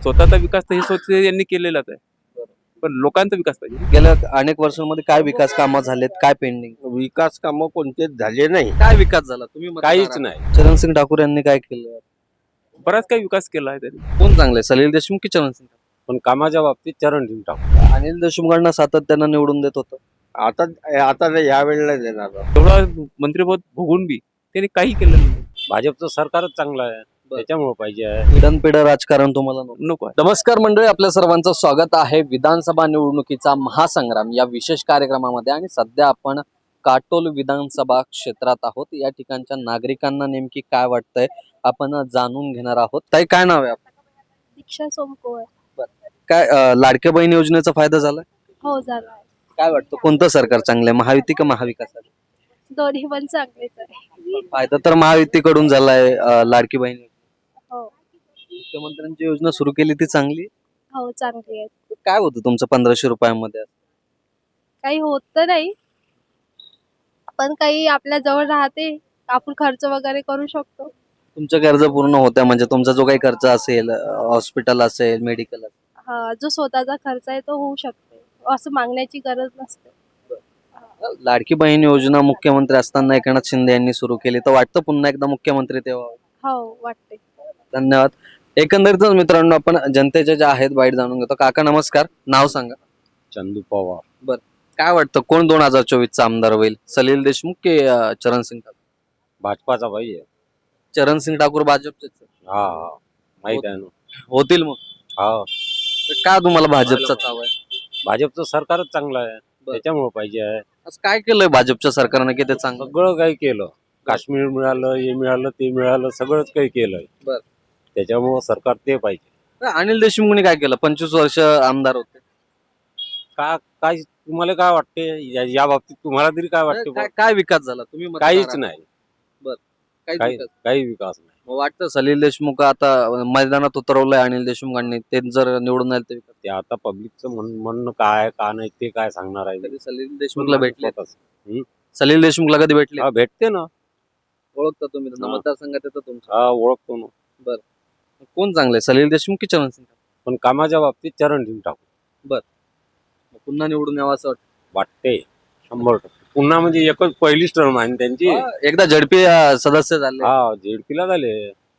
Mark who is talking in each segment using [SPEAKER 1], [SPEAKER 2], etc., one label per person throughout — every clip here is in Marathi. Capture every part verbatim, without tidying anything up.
[SPEAKER 1] स्वतःचा विकास तर हे स्वतः यांनी केलेलाच आहे, पण लोकांचा विकास पाहिजे.
[SPEAKER 2] गेल्या अनेक वर्षांमध्ये काय विकास कामं झालेत, काय पेंडिंग?
[SPEAKER 3] विकास कामं कोणतेच झाले नाही.
[SPEAKER 2] काय विकास झाला तुम्ही मतदार
[SPEAKER 1] काहीच
[SPEAKER 2] आहात.
[SPEAKER 1] नाही.
[SPEAKER 2] चरणसिंग ठाकूर यांनी काय केलं?
[SPEAKER 1] बराच काही विकास केला आहे त्यांनी,
[SPEAKER 2] कोण चांगले, सलील देशमुख की चरणसिंग ठाकूर?
[SPEAKER 1] पण कामाच्या बाबतीत चरणसिंग ठाकूर.
[SPEAKER 2] अनिल देशमुखांना सातत्यानं निवडून देत होतं.
[SPEAKER 3] आता आता नाही, या वेळेला देणार.
[SPEAKER 1] तेवढा मंत्रिपद भोगून बी त्यांनी काही केलं नाही. भाजपचं सरकारच चांगलं आहे, त्याच्यामुळे पाहिजे आहे.
[SPEAKER 2] पिढनपिढ राजकारण तुम्हाला नको.
[SPEAKER 1] नको आहे.
[SPEAKER 2] नमस्कार मंडळी, आपल्या सर्वांचं स्वागत आहे विधानसभा निवडणुकीचा महासंग्राम या विशेष कार्यक्रमामध्ये. आणि सध्या आपण काटोल विधानसभा क्षेत्रात आहोत. या ठिकाणच्या नागरिकांना नेमकी काय वाटतंय आपण जाणून घेणार आहोत. ताई, काय नाव आहे आपलं?
[SPEAKER 4] दीक्षा सोमकोर.
[SPEAKER 2] काय अं, लाडक्या बहीण योजनेचा फायदा झाला?
[SPEAKER 4] हो झाला.
[SPEAKER 2] काय वाटतं कोणतं सरकार चांगलं आहे, महायुती का महाविकास?
[SPEAKER 4] दोन्ही पण चांगलेच आहे.
[SPEAKER 2] फायदा तर महायुतीकडून झालाय. अं, लाडकी बहीण
[SPEAKER 4] हो
[SPEAKER 2] मुख्यमंत्र्यांची योजना सुरू केली ती चांगली.
[SPEAKER 4] हो चांगली आहे.
[SPEAKER 2] काय होतं तुमचं पंधराशे रुपयामध्ये?
[SPEAKER 4] काही होत तर नाही, पण काही आपल्या जवळ राहते, आपण खर्च वगैरे करू शकतो.
[SPEAKER 2] तुमच्या गरजा पूर्ण होत्या म्हणजे तुमचा जो काही खर्च असेल, हॉस्पिटल असेल, मेडिकल असेल,
[SPEAKER 4] हा, जो स्वतःचा खर्च आहे तो होऊ शकते, असं मागण्याची गरज नसते.
[SPEAKER 2] लाडकी बहीण योजना मुख्यमंत्री असताना एकनाथ शिंदे यांनी सुरू केली, तर वाटतं पुन्हा एकदा मुख्यमंत्री तेव्हा?
[SPEAKER 4] हो वाटते.
[SPEAKER 2] धन्यवाद. एकंदरीतच मित्रांनो, आपण जनतेचे जे आहेत बाईट जाणून घेतो. काका नमस्कार, नाव सांगा.
[SPEAKER 1] चंदू पवार.
[SPEAKER 2] काय वाटतं कोण दोन हजार चोवीस चा आमदार होईल, सलील देशमुख की अं, चरणसिंग ठाकूर?
[SPEAKER 1] भाजपाचा पाहिजे.
[SPEAKER 2] चरणसिंग ठाकूर भाजपचेच
[SPEAKER 1] हा हा माहित आहे ना.
[SPEAKER 2] होतील मग?
[SPEAKER 1] हा,
[SPEAKER 2] तर का तुम्हाला भाजपचा चाव आहे?
[SPEAKER 1] भाजपचं सरकारच चांगलं आहे, त्याच्यामुळे पाहिजे आहे.
[SPEAKER 2] असं काय केलंय भाजपच्या सरकारनं की ते चांगलं?
[SPEAKER 1] सगळं काही केलं, काश्मीर मिळालं, हे मिळालं, ते मिळालं, सगळंच काही केलंय.
[SPEAKER 2] बरं.
[SPEAKER 1] त्याच्यामुळं सरकार ते पाहिजे.
[SPEAKER 2] अनिल देशमुखने काय केलं? पंचवीस वर्ष आमदार होते.
[SPEAKER 1] का काय तुम्हाला काय वाटते या या बाबतीत, तुम्हाला तरी काय वाटते?
[SPEAKER 2] काय काय विकास झाला? तुम्ही मतदार
[SPEAKER 1] काहीच
[SPEAKER 2] आहात.
[SPEAKER 1] नाही.
[SPEAKER 2] काहीच
[SPEAKER 1] काही
[SPEAKER 2] विकास.
[SPEAKER 1] काही विकास नाही.
[SPEAKER 2] मग वाटतं सलील देशमुख आता मैदानात उतरवलंय अनिल देशमुखांनी, ते जर निवडून आले तर विकास?
[SPEAKER 1] ते आता पब्लिकचं म्हण म्हणणं काय का नाही ते काय सांगणार आहे.
[SPEAKER 2] कधी सलील देशमुखला भेटले?
[SPEAKER 1] स्वतःच.
[SPEAKER 2] सलील देशमुखला कधी भेटले?
[SPEAKER 1] हा, भेटते ना.
[SPEAKER 2] ओळखता तुम्ही त्यांना?
[SPEAKER 1] हा.
[SPEAKER 2] मतदारसंघात येतं तुमच्या?
[SPEAKER 1] हा, ओळखतो ना.
[SPEAKER 2] कोण चांगले, सलील देशमुख की चरणसिंग ठाकूर?
[SPEAKER 1] पण कामाच्या बाबतीत चरणसिंग ठाकूर
[SPEAKER 2] मग पुन्हा निवडून यावं असं वाटतं?
[SPEAKER 1] वाटते शंभर टक्के. पुन्हा म्हणजे एकच पहिलीच टर्म आहे ना त्यांची.
[SPEAKER 2] हा, एकदा झडपी अं, सदस्य झाले.
[SPEAKER 1] हा, झेडपीला झाले.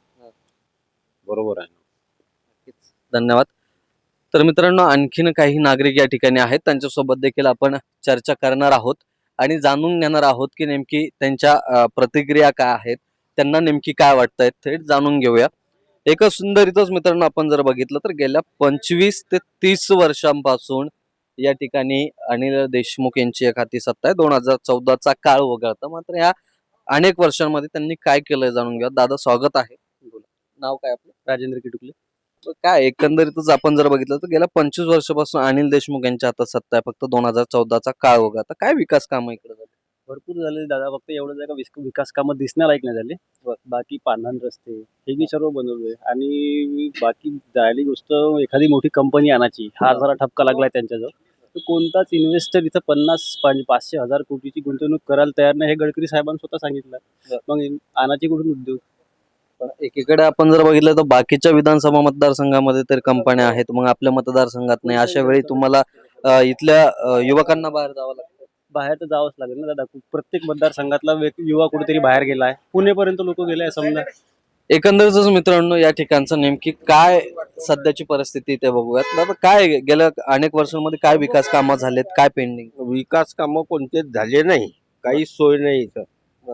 [SPEAKER 1] बरोबर आहे.
[SPEAKER 2] धन्यवाद. तर मित्रांनो, आणखीन काही नागरिक या ठिकाणी आहेत, त्यांच्यासोबत देखील आपण चर्चा करणार आहोत आणि जाणून घेणार आहोत की नेमकी त्यांच्या अं, प्रतिक्रिया काय आहेत, त्यांना नेमकी काय वाटतंय थेट जाणून घेऊया. एका सुंदरीतच मित्रांनो, आपण जर बघितलं तर गेल्या पंचवीस ते तीस वर्षांपासून या ठिकाणी अनिल देशमुख यांची एक हाती सत्ता आहे. दोन हजार चौदाचा काळ वगळता मात्र या अनेक वर्षांमध्ये त्यांनी काय केलंय जाणून घ्या. दादा, स्वागत आहे. नाव काय आपलं?
[SPEAKER 5] राजेंद्र किटुकले.
[SPEAKER 2] तर काय एकंदरीतच आपण जर बघितलं तर गेल्या पंचवीस वर्षापासून अनिल देशमुख यांच्या हातात सत्ता आहे. फक्त दोन हजार चौदाचा काळ वगळता काय विकास काम इकडे झाले?
[SPEAKER 5] भरपूर झाले दादा, फक्त एवढं जागा विकास कामं दिसण्यालायक नाही झाले. बाकी पांढरण रस्ते हे मी सर्व बनवले. आणि बाकी जायली गोष्ट, एखादी मोठी कंपनी आणायची, हा जरा ठपका लागलाय त्यांच्याजवळ. तर कोणताच इन्व्हेस्टर इथं पन्नास पाच- पाचशे हजार कोटीची गुंतवणूक करायला तयार नाही, हे गडकरी साहेबांनी स्वतः सांगितलं. मग आणायची कुठून उद्योग?
[SPEAKER 2] पण एकीकडे आपण जर बघितलं तर बाकीच्या विधानसभा मतदारसंघामध्ये तर कंपन्या आहेत, मग आपल्या मतदारसंघात नाही. अशा वेळी तुम्हाला अं, इथल्या अं, युवकांना बाहेर जावं लागतं.
[SPEAKER 5] बाहेर तर जावंच लागेल ना दादा. प्रत्येक मतदारसंघातला व्यक्ती युवा कुठेतरी बाहेर गेलाय, पुणेपर्यंत लोक गेले समजा.
[SPEAKER 2] एकंदरीतच मित्रांनो, या ठिकाणचं नेमकी काय सध्याची परिस्थिती ते बघूयात. दादा, काय गेल्या अनेक वर्षांमध्ये काय विकास कामं झालेत, काय पेंडिंग?
[SPEAKER 3] विकास कामं कोणतेच झाले नाही. काही सोय नाही इथं.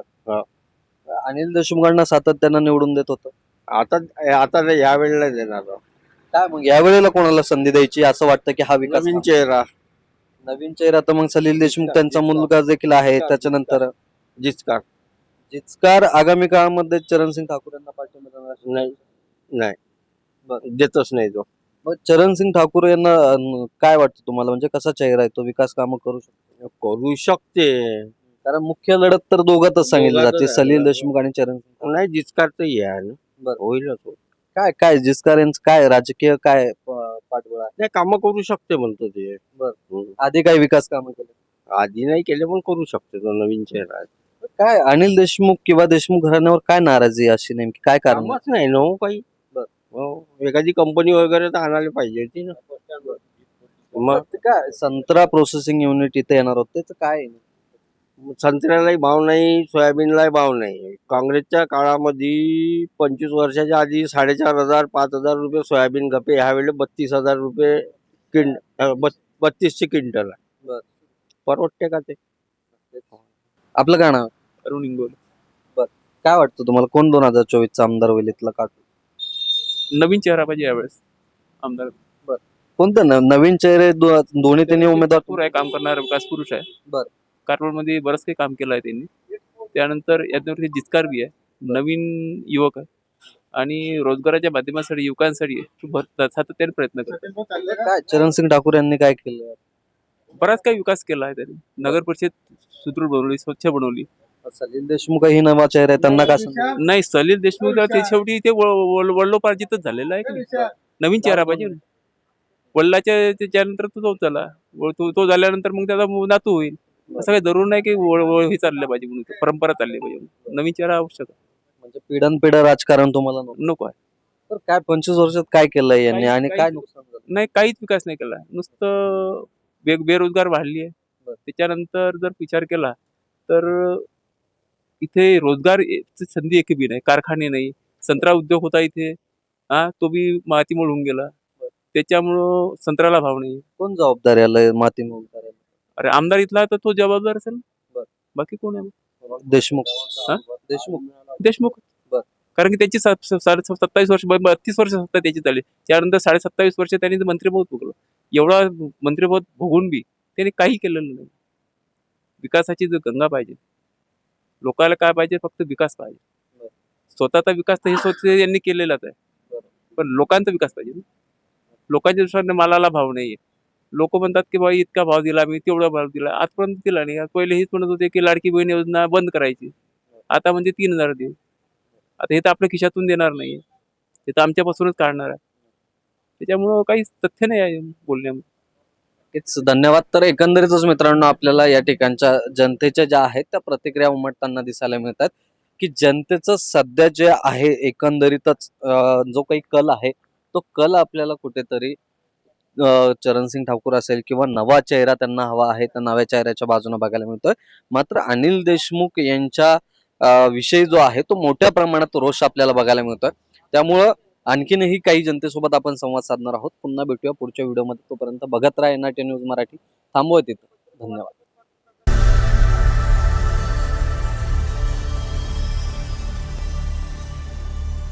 [SPEAKER 2] अनिल देशमुखांना सातत्यानं निवडून देत होतं.
[SPEAKER 3] आता आता नाही, या वेळेला देणार.
[SPEAKER 2] काय मग यावेळेला कोणाला संधी द्यायची असं वाटतं की हा विकास
[SPEAKER 3] नवीन चेहरा.
[SPEAKER 2] नवीन चेहरा तर मग सलील देशमुख त्यांचा मुलगा देखील आहे. त्याच्यानंतर
[SPEAKER 3] जिचकार.
[SPEAKER 2] जिचकार आगामी काळामध्ये चरणसिंग ठाकूर यांना पाठिंबा देणार असेल.
[SPEAKER 3] नाही नाही देतच नाही तो.
[SPEAKER 2] मग चरणसिंग ठाकूर यांना अं, काय वाटतं तुम्हाला, म्हणजे कसा चेहरा आहे तो, विकास कामं करू शकतो?
[SPEAKER 3] करू शकते.
[SPEAKER 2] कारण मुख्य लढत तर दोघातच सांगितली
[SPEAKER 3] दोघातच
[SPEAKER 2] जाते,
[SPEAKER 3] आहे.
[SPEAKER 2] सलील देशमुख आणि चरणसिंग ठाकूर.
[SPEAKER 3] नाही, जिचकार तर हे आहे ना.
[SPEAKER 2] बरं.
[SPEAKER 3] होईलच हो.
[SPEAKER 2] काय काय जिचकार यांचं काय राजकीय काय प- पाठबळ आहे?
[SPEAKER 3] नाही, कामं करू शकते म्हणतो ते.
[SPEAKER 2] बरं.
[SPEAKER 3] हम्म.
[SPEAKER 2] आधी काय विकास कामं केले?
[SPEAKER 3] आधी नाही केले पण करू शकते, तो नवीन चेहरा आहे.
[SPEAKER 2] काय अनिल देशमुख किंवा देशमुख घराण्यावर काय नाराजी आहे अशी, नेमकी काय कारण आहे?
[SPEAKER 3] कामच नाही ना हो काही. हो, एखादी कंपनी वगैरे तर आणायला पाहिजे होती ना. मग
[SPEAKER 2] ते काय संत्रा प्रोसेसिंग युनिट इथे येणार होतं त्याचं काय आहे?
[SPEAKER 3] संत्र्यालाही भाव नाही, सोयाबीनलाही भाव नाही. काँग्रेसच्या काळामध्ये पंचवीस वर्षाच्या आधी साडेचार हजार पाच हजार रुपये सोयाबीन खपे, ह्यावेळेस बत्तीस हजार रुपये क्विंट अं, बत- बत्तीसशे क्विंटल आहे.
[SPEAKER 2] बरं.
[SPEAKER 3] परवडते का ते?
[SPEAKER 2] आपलं काय नाव आहे?
[SPEAKER 6] अरुण इंगोल.
[SPEAKER 2] काय वाटतं तुम्हाला कोण दोन हजार चोवीस चा आमदार होईल इथला काटून?
[SPEAKER 6] नवीन चेहरा पाहिजे यावेळेस आमदार.
[SPEAKER 2] कोणतं न- नवीन चेहरे दो- दोन्ही त्यांनी उमेदवार
[SPEAKER 6] भरपूर आहे, काम करणारा विकास पुरुष आहे.
[SPEAKER 2] बरं.
[SPEAKER 6] कारवारमध्ये बरंच काही काम केलं आहे त्यांनी. त्यानंतर याच्यावरती जिचकार बी आहे, नवीन युवक आहे आणि रोजगाराच्या माध्यमासाठी युवकांसाठी तो भर- सातत्याने प्रयत्न करतो.
[SPEAKER 2] काय चरणसिंग ठाकूर यांनी काय केलं?
[SPEAKER 6] बराच काही विकास केला आहे त्यांनी. नगर परिषद सुदृढ बनवली, स्वच्छ बनवली.
[SPEAKER 2] सलील देशमुख ही नवा चेहरा आहे त्यांना काय सांगू?
[SPEAKER 6] नाही, सलील देशमुख तर ते शेवटी ते वडलोपार्जितच झालेलं आहे की नाही? नवीन चेहरा पाहिजे ना. वडिलाच्या त्याच्यानंतर तो तो झाला, व तो तो झाल्यानंतर मग त्याचा मु- नातू होईल. असं काही जरूर नाही की वळ- वळ- हे चाललं पाहिजे म्हणून, परंपरा चालली पाहिजे म्हणून. नवीन चेहरा आवश्यक आहे.
[SPEAKER 2] म्हणजे पिढन पिढं राजकारण तुम्हाला नको.
[SPEAKER 6] नको आहे.
[SPEAKER 2] तर काय पंचवीस वर्षात काय केलंय यांनी
[SPEAKER 6] काही-
[SPEAKER 2] आणि काय
[SPEAKER 6] काही-
[SPEAKER 2] नुकसान झालं?
[SPEAKER 6] नाही, काहीच विकास नाही केला. नुसतं बे बेरोजगार वाढली आहे.
[SPEAKER 2] बरं.
[SPEAKER 6] त्याच्यानंतर जर विचार केला तर इथे रोजगार ए- ची संधी एक बी नाही, कारखाने नाही. संत्रा उद्योग होता इथे, हा तो बी मातीमोल होऊन गेला. त्याच्यामुळं संत्र्याला भाव नाही.
[SPEAKER 2] कोण जबाबदार याला माती मोलदार याला?
[SPEAKER 6] अरे आमदार इथला तर तो जबाबदार असेल.
[SPEAKER 2] बरं.
[SPEAKER 6] बाकी कोण आहे?
[SPEAKER 2] देशमुख
[SPEAKER 6] हा?
[SPEAKER 2] देशमुख
[SPEAKER 6] देशमुख.
[SPEAKER 2] बरं.
[SPEAKER 6] कारण की त्याची सा- सा- साडे सत्तावीस वर्ष ब- बत्तीस वर्ष सत्ता त्याची चालली. त्यानंतर साडे सत्तावीस वर्ष त्यांनी ते मंत्रिपद भोगलं. एवढा मंत्रिपद भोगून बी त्यांनी काही केलेलं नाही. विकासाची जो गंगा पाहिजे, लोकांना काय पाहिजे, फक्त विकास पाहिजे.
[SPEAKER 2] बरं.
[SPEAKER 6] स्वतःचा विकास तर हे स्वतः यांनी केलेलाच आहे, पण लोकांचा विकास पाहिजे ना. लोकांच्या दृष्टीने मालाला भाव नाहीये. लोक म्हणतात की बाबा इतका भाव दिला, मी तेवढा भाव दिला, आजपर्यंत दिला नाही. पहिले हेच म्हणत होते की लाडकी बहीण योजना बंद करायची, आता म्हणजे तीन हजार देऊ. आता हे तर आपल्या खिशातून देणार नाही, हे तर आमच्यापासूनच काढणार आहे. त्याच्यामुळं काहीच तथ्य नाही आहे बोलण्यामध्ये.
[SPEAKER 2] नक्कीच धन्यवाद. तर एकंदरीतच मित्रांनो आपल्याला या ठिकाणच्या जनतेच्या ज्या आहेत त्या प्रतिक्रिया उमटताना दिसायला मिळतात की जनतेचं सध्या जे आहे एकंदरीतच अं, जो काही कल आहे तो कल आपल्याला कुठेतरी अं, चरणसिंग ठाकूर असेल किंवा नवा चेहरा त्यांना हवा आहे त्या नव्या चेहऱ्याच्या बाजूने बघायला मिळतोय. मात्र अनिल देशमुख यांच्या अं, विषयी जो आहे तो मोठ्या प्रमाणात रोष आपल्याला बघायला मिळतोय. त्यामुळं आणखीनही काही जनतेसोबत आपण संवाद साधणार आहोत. पुन्हा भेटूया पुढच्या व्हिडिओमध्ये. तोपर्यंत बघत राहा N I T news Marathi. थांबवत तिथं. धन्यवाद.